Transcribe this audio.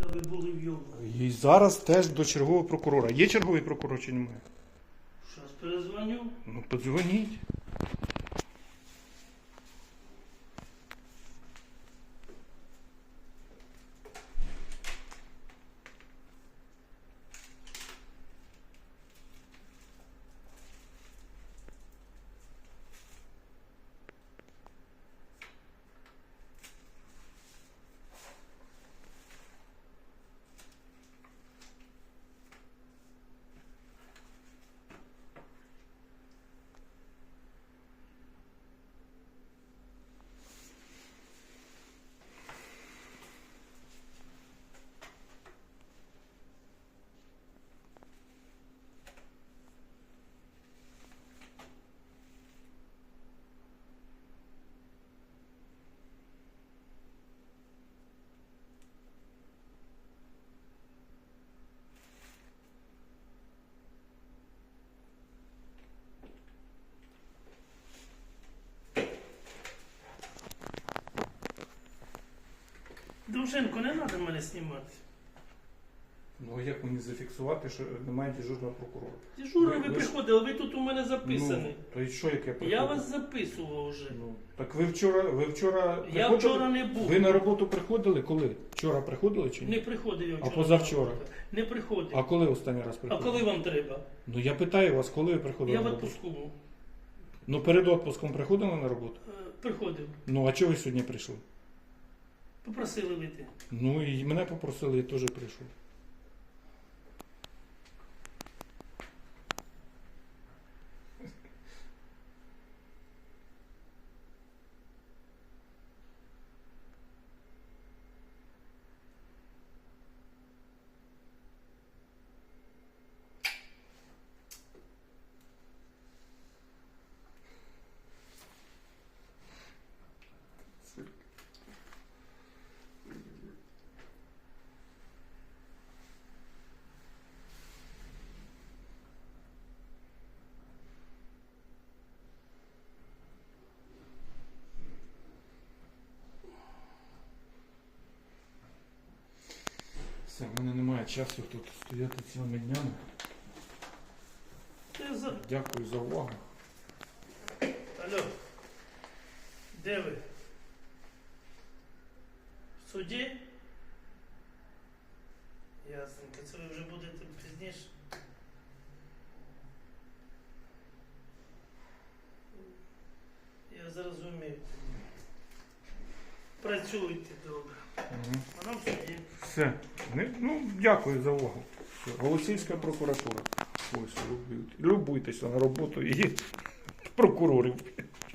ви були в йому. І зараз теж до чергового прокурора. Є черговий прокурор чи немає? Щас перезвоню. Ну, подзвоніть. Дружинко, не треба мене знімати. Ну, а як мені зафіксувати, що немає дежурного прокурора? Дежурно ви ж- приходили, ви тут у мене Ну, записані. то і що, як я приходив? Я вас записував вже. Ну, так ви вчора Я приходили? вчора не був. Ви на роботу приходили коли? Вчора приходили чи ні? Не приходив я А вчора. позавчора? Не приходив. А коли останній раз А приходили? коли вам треба? Ну я питаю вас, коли ви приходили Я в на роботу? відпуску був. Ну перед відпуском приходили на роботу? Приходив. Ну а чого ви сьогодні прийшли? Попросили вийти. Ну і мене попросили, я теж прийшов. Все, в мене немає часу тут стояти цілими днями. Дякую за увагу. Алло. Де ви? В суді? Ясненько. Це ви вже будете пізніше? Я зрозумів. Працюйте добре. Угу. А нам в суді. Все. Ну, дякую за увагу. Голосівська прокуратура. Ось, любуйтеся на роботу і прокурорів.